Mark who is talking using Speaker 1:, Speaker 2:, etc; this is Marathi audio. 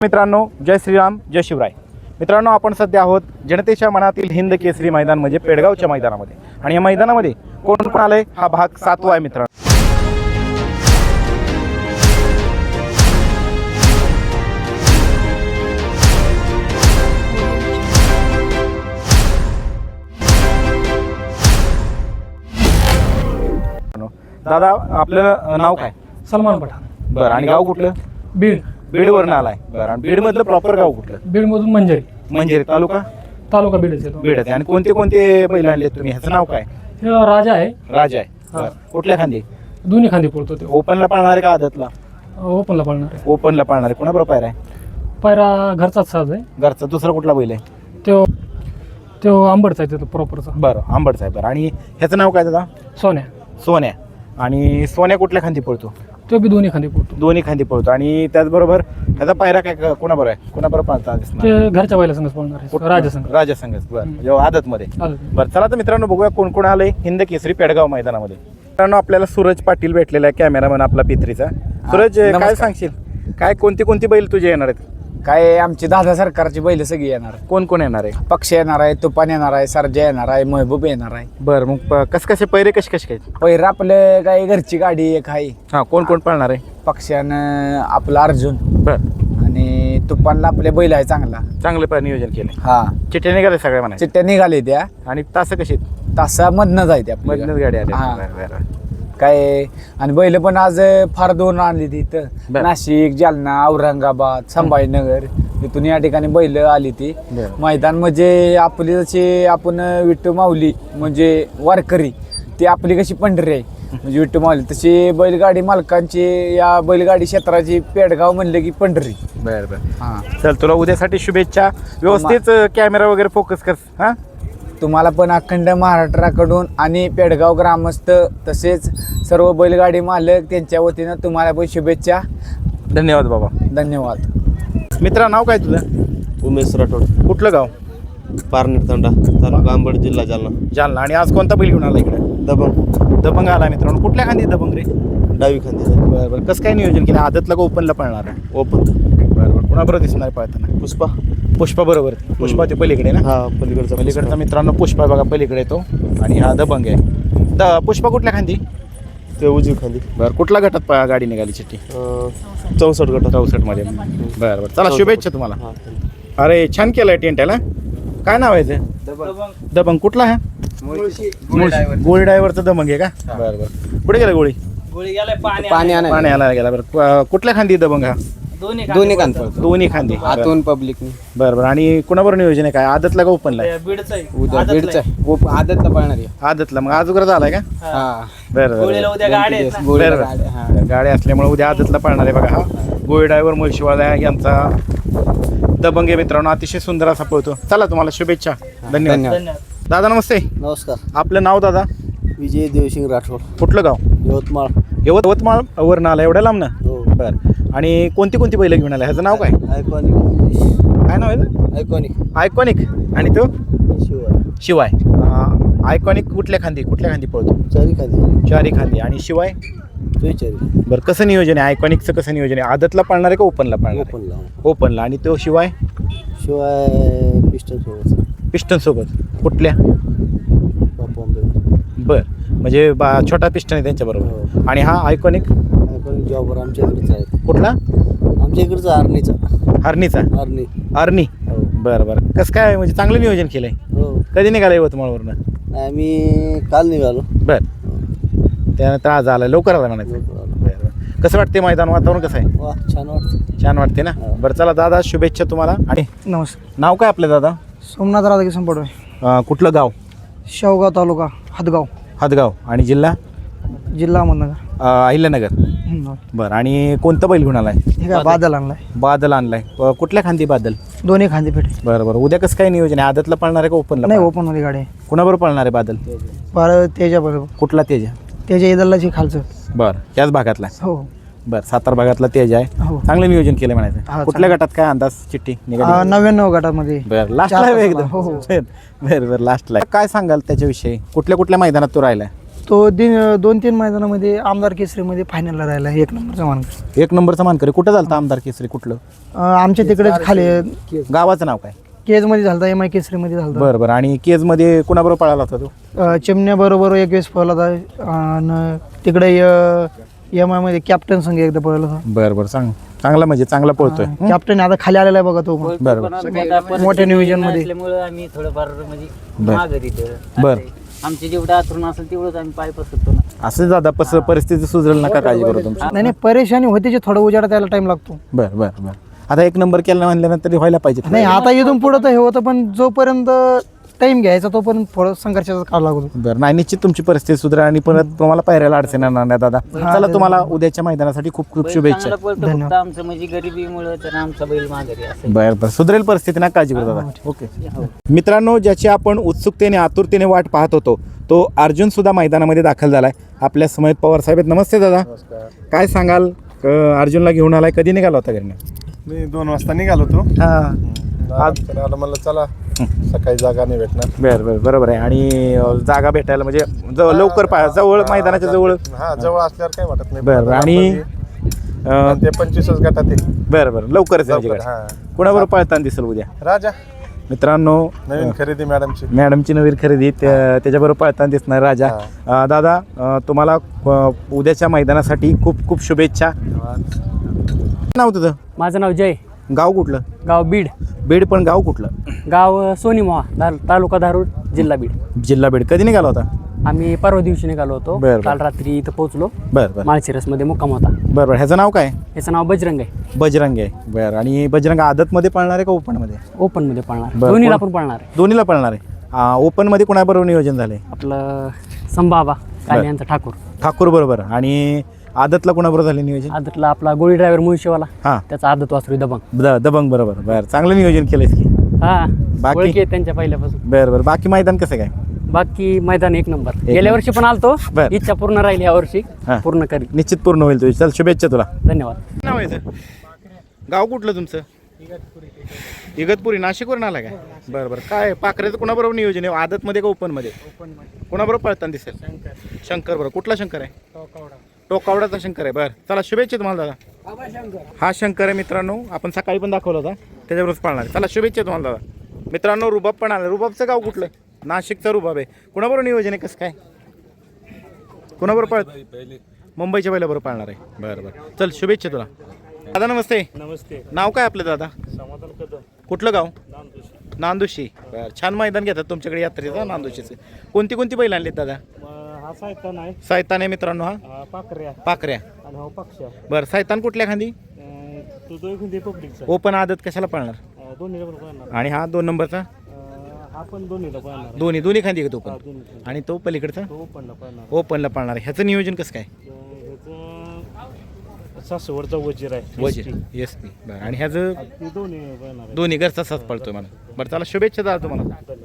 Speaker 1: मित्रांनो, जय श्रीराम, जय शिवराय. मित्रांनो, आपण सध्या आहोत जनतेच्या मनातील हिंद केसरी मैदान म्हणजे पेडगावच्या मैदानामध्ये. आणि या मैदानामध्ये कोण कोण आलंय हा भाग 7वा आहे मित्रांनो. दादा, आपलं नाव काय?
Speaker 2: सलमान पठाण.
Speaker 1: बरं, आणि गाव कुठलं?
Speaker 2: बीड.
Speaker 1: बीडवरून आलाय. बरं, आणि बीडमधलं प्रॉपर गाव कुठलं?
Speaker 2: बीडमधून मंजरी.
Speaker 1: म्हणजे तालुका
Speaker 2: बीडच येतो.
Speaker 1: बीड आहे. आणि कोणते कोणते बैल आणले तुम्ही? ह्याचं नाव काय?
Speaker 2: हे राजा आहे.
Speaker 1: राजा आहे. बरं, कुठल्या खांदी?
Speaker 2: दोन्ही खांदी पडतो ते.
Speaker 1: ओपनला पाळणार आहे का आदतला?
Speaker 2: ओपनला पळणार आहे.
Speaker 1: ओपनला पाळणार आहे. कोणाबरोबर पायरा आहे?
Speaker 2: पायरा घरचाच साज आहे.
Speaker 1: घरचा. दुसरा कुठला बैल आहे?
Speaker 2: तो आंबडचा आहे, तो प्रॉपरचा.
Speaker 1: बरं, आंबडचा आहे. बरं, आणि ह्याचं नाव काय दादा?
Speaker 2: सोन्या.
Speaker 1: सोन्या. आणि सोन्या कुठल्या खांदी पळतो?
Speaker 2: तो बी दोन्ही खांदी पडतो.
Speaker 1: दोन्ही खांदी पळतो. आणि त्याचबरोबर ह्याचा पायरा काय कोणाबरोबर आहे? कोणाबरोबर पाळता दिसणार?
Speaker 2: ते घरच्या बैला संघच पळणार आहे. राजा संघ.
Speaker 1: राजा संघच. बरं, जेव्हा आदतमध्ये.
Speaker 2: चालेल.
Speaker 1: बरं, चला तर मित्रांनो, बघूया कोण कोण आलंय हिंद केसरी पेडगाव मैदानामध्ये. मित्रांनो, आपल्याला सूरज पाटील भेटलेला आहे, कॅमेरामॅन आपला पित्रीचा. सूरज, काय सांगशील? काय कोणती बैल तुझे येणार आहेत?
Speaker 3: काय आमची दादा सरकारची बैल सगळी येणार.
Speaker 1: कोण कोण येणार आहे?
Speaker 3: पक्ष येणार आहे, तुफान येणार आहे, सरजा येणार आहे, महबूब येणार आहे.
Speaker 1: बरं, मग कसे पैरे कसे काय?
Speaker 3: पहिलं आपलं काय घरची गाडी एक आहे.
Speaker 1: हां, कोण कोण पाळणार आहे?
Speaker 3: पक्षानं आपला अर्जुन.
Speaker 1: बरं,
Speaker 3: आणि तुफानला आपले बैल आहे चांगला.
Speaker 1: चांगलं नियोजन केलं.
Speaker 3: हा,
Speaker 1: चिठ्ठ्या निघाले सगळ्या म्हणा.
Speaker 3: चिट्ट्या निघाले त्या.
Speaker 1: आणि तास कशी?
Speaker 3: तासामधनं जायते आपल्या.
Speaker 1: मधनच गाडी आली.
Speaker 3: हा.
Speaker 1: बरं, बरं.
Speaker 3: काय आणि बैल पण आज फार दोन आणली तिथं.
Speaker 1: बरं.
Speaker 3: नाशिक, जालना, औरंगाबाद, संभाजीनगर इथून या ठिकाणी बैल आली ती.
Speaker 1: बरं.
Speaker 3: मैदान म्हणजे आपली जशी आपण विठ्ठल माऊली म्हणजे वारकरी, ती आपली कशी पंढरी आहे म्हणजे विठ्ठल माऊली, तशी बैलगाडी मालकांची या बैलगाडी क्षेत्राची पेडगाव म्हणलं की पंढरी.
Speaker 1: बरं बरं.
Speaker 3: हां,
Speaker 1: चल, तुला उद्यासाठी शुभेच्छा. व्यवस्थित कॅमेरा वगैरे फोकस कर. हां,
Speaker 3: तुम्हाला पण अखंड महाराष्ट्राकडून आणि पेडगाव ग्रामस्थ तसेच सर्व बैलगाडी मालक त्यांच्या वतीनं तुम्हाला पण शुभेच्छा.
Speaker 1: धन्यवाद बाबा.
Speaker 3: धन्यवाद.
Speaker 1: मित्रा, नाव काय तुझं?
Speaker 4: उमेश राठोड,
Speaker 1: कुठलं गाव?
Speaker 4: पारनेर तांडा, तालुका अंबड, जिल्हा जालना.
Speaker 1: जालना. आणि आज कोणता बैल घेऊन आला इकडे? दबंग आला मित्रांनो. कुठल्या खांदी दबंग रे?
Speaker 4: डावी खांदी.
Speaker 1: बरं बरं. कसं काय नियोजन केलं? आदतला का ओपनला पळणार आहे?
Speaker 4: ओपन.
Speaker 1: बरं बरं. कुणाबरोबर दिसणार पळताना? पुष्पा बरोबर. पुष्पा ते पलीकडे ना?
Speaker 4: हा, पलीकडचा
Speaker 1: मित्रांनो पुष्पा बघा पलीकडे येतो. आणि हा दबंग आहे. पुष्पा कुठल्या खांदी?
Speaker 4: ते उजवी खांदी.
Speaker 1: बरं, कुठल्या गटात गाडी निघाली चिठ्ठी?
Speaker 4: 64 गटात.
Speaker 1: 64 मध्ये. बरं बरं. चला, शुभेच्छा तुम्हाला.
Speaker 4: हा,
Speaker 1: अरे, छान केलंय टेंट याला. काय नाव आहे ते? दबंग. कुठला हा? गोळी ड्रायव्हरचा दबंग आहे का? बरं बरं. कुठे गेला गोळी?
Speaker 3: पाणी
Speaker 1: आणायला गेला. बरं, कुठल्या खांदी दबंग हा?
Speaker 3: दोन्ही कान पडतो.
Speaker 1: दोन्ही खांदी.
Speaker 3: आतून पब्लिक.
Speaker 1: बरं बरं. आणि कुणाबरोबर नियोजन आहे? काय आदतला का ओपनला?
Speaker 3: उद्या बीडचा आदतला पळणार आहे.
Speaker 1: आदतला. मग अजूनच आलाय का?
Speaker 3: हा,
Speaker 1: बरं बरं. बरं, गाडी असल्यामुळे उद्या आदतला पळणार आहे बघा. हा गोळी ड्रायव्हर मुळशीवाला यांचा दबंग आहे मित्रांनो. अतिशय सुंदर असा पळतो. चला, तुम्हाला शुभेच्छा. धन्यवाद. दादा नमस्ते.
Speaker 4: नमस्कार.
Speaker 1: आपलं नाव दादा?
Speaker 4: विजय देवसिंग राठोड,
Speaker 1: कुठलं गाव?
Speaker 4: यवतमाळ.
Speaker 1: यवतमाळ वरून आला एवढ्या लांब ना?
Speaker 4: हो.
Speaker 1: बरं. आणि कोणती बैल घेऊन आला? ह्याचं नाव काय?
Speaker 4: आयकॉनिक.
Speaker 1: काय नाव आहे? आयकॉनिक. आणि तो शिवाय. आयकॉनिक कुठल्या खांदी पळतो? चारी खांदी. आणि शिवाय? बरं, कसं नियोजन आहे आयकॉनिकचं? कसं नियोजन आहे? आदतला पळणार आहे का ओपनला पळणार? ओपनला. आणि तो शिवाय पिस्टन सोबत. कुठल्या? बरं, म्हणजे छोटा पिस्टन आहे त्यांच्याबरोबर. आणि हा आयकॉनिक
Speaker 4: जॉबर आमच्या इकडचा आहे.
Speaker 1: कुठला?
Speaker 4: आमच्या इकडचा
Speaker 1: हरणीचा. आर्नी.
Speaker 4: हो.
Speaker 1: बरं बरं. कसं काय म्हणजे चांगलं नियोजन केलंय?
Speaker 4: हो.
Speaker 1: कधी निघाला यवतमाळवरनं?
Speaker 4: आम्ही काल निघालो.
Speaker 1: बरं, त्यानंतर आज आला, लवकर आला म्हणायचं. बरं बरं. कसं वाटते मैदान? वातावरण कसं आहे?
Speaker 4: वा, छान वाटतं.
Speaker 1: छान वाटते ना? बरं, चला दादा, शुभेच्छा तुम्हाला. आणि
Speaker 2: नमस्कार.
Speaker 1: नाव काय आपलं दादा?
Speaker 2: सोमनाथ राधाकिशन पडवे.
Speaker 1: कुठलं गाव?
Speaker 2: शेवगाव तालुका हदगाव,
Speaker 1: हदगाव. आणि जिल्हा?
Speaker 2: जिल्हा अहमदनगर.
Speaker 1: अहिल्यानगर. बरं. आणि कोणतं बैल घेऊन आलाय?
Speaker 2: हे काय बादल आणलाय.
Speaker 1: बादल आणलाय. कुठल्या खांदी बादल?
Speaker 2: दोन्ही खांदी पेटे.
Speaker 1: बरं बरं. उद्या कसं काय नियोजन आहे? आदतला पळणार आहे का ओपनला?
Speaker 2: नाही, ओपन मध्ये गाडी आहे.
Speaker 1: कुणाबरोबर पळणार आहे बादल?
Speaker 2: तेजा बरोबर.
Speaker 1: कुठला तेजा?
Speaker 2: तेजा इदल्लाची खालचं.
Speaker 1: बरं, याच भागातला?
Speaker 2: हो.
Speaker 1: बरं, सातारा भागातला तेज आहे.
Speaker 2: हो.
Speaker 1: चांगलं नियोजन केलं म्हणायचं.
Speaker 2: हा,
Speaker 1: कुठल्या गटात काय अंदाज चिठ्ठी निघाली?
Speaker 2: 99 गटामध्ये.
Speaker 1: बरं, लास्टला आहे एकदम.
Speaker 2: हो.
Speaker 1: बरं बरं, लास्टला. काय सांगाल त्याच्याविषयी? कुठल्या मैदानात तो राहिलाय?
Speaker 2: तो 2-3 मैदानामध्ये आमदार केसरीमध्ये फायनलला राहिला 1 नंबरचा मानकर.
Speaker 1: 1 नंबरचा मानकरी. कुठं झालता आमदार केसरी कुठलं?
Speaker 2: आमच्या तिकडेच खाली
Speaker 1: गावाचं नाव काय?
Speaker 2: केजमध्ये झालता, MI केसरीमध्ये झालता.
Speaker 1: बरं बरं. आणि केजमध्ये कुणाबरोबर पळाला होता तो?
Speaker 2: चिमण्याबरोबर एक वेळेस पळला होता आणि तिकडे MI मध्ये कॅप्टन संघ एकदा पळला होता.
Speaker 1: बरं बरं. चांगला म्हणजे चांगला पळतोय.
Speaker 2: कॅप्टन आता खाली आलेला आहे बघा तो पण.
Speaker 1: बरं
Speaker 2: मोठ्या नियोजन मध्ये
Speaker 5: असल्यामुळे आम्ही थोडंफार म्हणजे
Speaker 1: बर.
Speaker 5: मागं तिथं
Speaker 1: बर.
Speaker 5: आमचे जेवढं आतरून असेल तेवढंच आम्ही पाय पसरतो ना.
Speaker 1: असं दादा परिस्थिती सुधरेल, नका काळजी करू तुमची.
Speaker 2: नाही परेशानी होते, थोडं उजाडा त्याला टाइम लागतो.
Speaker 1: बरं बरं बरं. आता 1 नंबर केला म्हणल्यानंतर व्हायला पाहिजे.
Speaker 2: नाही आता इथून पुढं तर हे होतं, पण जोपर्यंत टाइम घ्यायचा तोपर्यंत थोडं संघर्षाचा काळ लागतो.
Speaker 1: बरं. नाही, निश्चित तुमची परिस्थिती सुधारेल आणि परत तुम्हाला पायऱ्याला अडचण येणार नाही दादा. चला, तुम्हाला उद्याच्या मैदानासाठी खूप खूप शुभेच्छा.
Speaker 5: चांगलं पळतो, फक्त आमचं म्हणजे गरिबीमुळे तर आमचा बैल माघारी असं.
Speaker 1: बरं बरं. सुधरेल परिस्थिती, ना काळजी करू दादा. ओके मित्रांनो, ज्याची आपण उत्सुकतेने आतुरतेने वाट पाहत होतो तो अर्जुन सुद्धा मैदानामध्ये दाखल झालाय. आपल्या समेत पवार साहेब आहेत. नमस्ते दादा. काय सांगाल? अर्जुनला घेऊन आलाय, कधी निघाला होता घरी?
Speaker 6: मी 2 वाजता निघालो होतो.
Speaker 1: आज
Speaker 6: आलं म्हणलं चला सकाळी जागा नाही भेटणार.
Speaker 1: बरं बरं. बरोबर आहे. आणि जागा भेटायला म्हणजे लवकर जवळ, मैदानाच्या जवळ.
Speaker 6: हा, जवळ असल्यावर काही वाटत नाही.
Speaker 1: बरं. आणि
Speaker 6: ते 25 गटात आहे.
Speaker 1: बरं बरं. लवकरच आहे म्हणजे.
Speaker 6: हा.
Speaker 1: कोणाबरोबर पळताना दिसेल उद्या?
Speaker 6: राजा
Speaker 1: मित्रांनो,
Speaker 6: नवीन खरेदी
Speaker 1: मॅडमची नवीन खरेदी त्याच्याबरोबर पळताना दिसणार राजा. दादा, तुम्हाला उद्याच्या मैदानासाठी खूप खूप शुभेच्छा. नाव तुझं?
Speaker 7: माझं नाव जय.
Speaker 1: गाव कुठलं?
Speaker 7: गाव बीड.
Speaker 1: बीड, पण गाव कुठलं?
Speaker 7: गाव सोनीमोहा, तालुका धारूर, जिल्हा बीड.
Speaker 1: जिल्हा बीड. कधी निघाला होता?
Speaker 7: आम्ही परवा दिवशी निघालो होतो.
Speaker 1: बरं.
Speaker 7: काल रात्री इथं पोहोचलो.
Speaker 1: बरं बरं.
Speaker 7: माळशिरसमध्ये मुक्काम होता.
Speaker 1: बरं बरं. ह्याचं नाव काय?
Speaker 7: याचं नाव बजरंग आहे.
Speaker 1: बजरंग आहे. बरं. आणि बजरंग आदतमध्ये पळणार आहे का ओपनमध्ये?
Speaker 7: ओपनमध्ये पळणार,
Speaker 1: बरं.
Speaker 7: दोन्हीला पण पळणार आहे.
Speaker 1: दोन्हीला पळणार आहे. ओपनमध्ये कोणाबरोबर नियोजन झालंय?
Speaker 7: आपलं संभाबा काले यांचा ठाकूर.
Speaker 1: ठाकूर बरोबर. आणि आदतला कोणाबरोबर झाले नियोजन?
Speaker 7: आदतला आपला गोळी ड्रायव्हर मुळशीवाला,
Speaker 1: हां.
Speaker 7: त्याचा आदत वासरू दबंग.
Speaker 1: दबंग बरोबर. बरं. चांगलं नियोजन केलंय की.
Speaker 7: हा,
Speaker 1: बाकी?
Speaker 7: ओळखी आहेत त्यांच्या पहिल्यापासून.
Speaker 1: बरं बरं. बाकी मैदान कसं काय?
Speaker 7: बाकी मैदान 1 नंबर. गेल्या वर्षी पण आलतो,
Speaker 1: बरं.
Speaker 7: इच्छा पूर्ण राहिली, या वर्षी
Speaker 1: हां.
Speaker 7: पूर्ण करी.
Speaker 1: निश्चित पूर्ण होईल तुझी. चल, शुभेच्छा तुला.
Speaker 7: धन्यवाद.
Speaker 1: नाव आहे गाव कुठलं तुमचं? इगतपुरी. नाशिकवरून आला काय? बरं बरं. काय पाखरेचं कोणाबरोबर नियोजन आहे? आदतमध्ये का ओपनमध्ये? कोणाबरोबर पळताना दिसेल? शंकर बरोबर. कुठला शंकर आहे? टोकावडाचा शंकर आहे. बरं, चला शुभेच्छा तुम्हाला दादा. हा शंकर आहे मित्रांनो, आपण सकाळी पण दाखवला होता, त्याच्याबरोबर पाळणार. चला शुभेच्छा तुम्हाला दादा. मित्रांनो, रुबाब पण आला. रुबाबचं गाव कुठलं? नाशिकचा रुबाब आहे. कुणाबरोबर नियोजन आहे? कसं काय? कुणाबरोबर मुंबईच्या पहिल्याबरोबर पाळणार आहे. बरं बरं. चल, शुभेच्छा तुला दादा. नमस्ते.
Speaker 8: नमस्ते.
Speaker 1: नाव काय आपलं दादा?
Speaker 8: समाधान कदम,
Speaker 1: कुठलं गाव?
Speaker 8: नांदुशी.
Speaker 1: नांदुशी. बरं. छान मैदान घेतात तुमच्याकडे यात्रेचं नांदुशीचं. कोणती कोणती बैल आणलीत दादा?
Speaker 8: हा सायतान आहे,
Speaker 1: सायतान आहे मित्रांनो. हा
Speaker 8: पाकऱ्या
Speaker 1: पाकऱ्या.
Speaker 8: आणि हा पक्ष.
Speaker 1: बरं. सायतान कुठल्या खांदी?
Speaker 8: तो दोन पब्लिकचा.
Speaker 1: ओपन आदत कशाला पळणार?
Speaker 8: दोन्हीला पण पळणार.
Speaker 1: आणि हा 2 नंबरचा?
Speaker 8: हा पण दोन्हीला पळणार.
Speaker 1: दोन्ही खांदी घेतो
Speaker 8: हा,
Speaker 1: ओपन.
Speaker 8: दोन्ही पण.
Speaker 1: आणि तो पलीकडचा
Speaker 8: तो ओपनला पळणार.
Speaker 1: ओपनला पळणार आहे. ह्याचं नियोजन कसं काय?
Speaker 8: ह्याचं सासवडचा वजीर आहे.
Speaker 1: वजीर. येस. बरं. आणि ह्याचं
Speaker 8: ते दोन्ही पळणार आहे.
Speaker 1: दोन्ही घरचा साथ पळतोय मला. बरं, चला शुभेच्छा दादा तुम्हाला.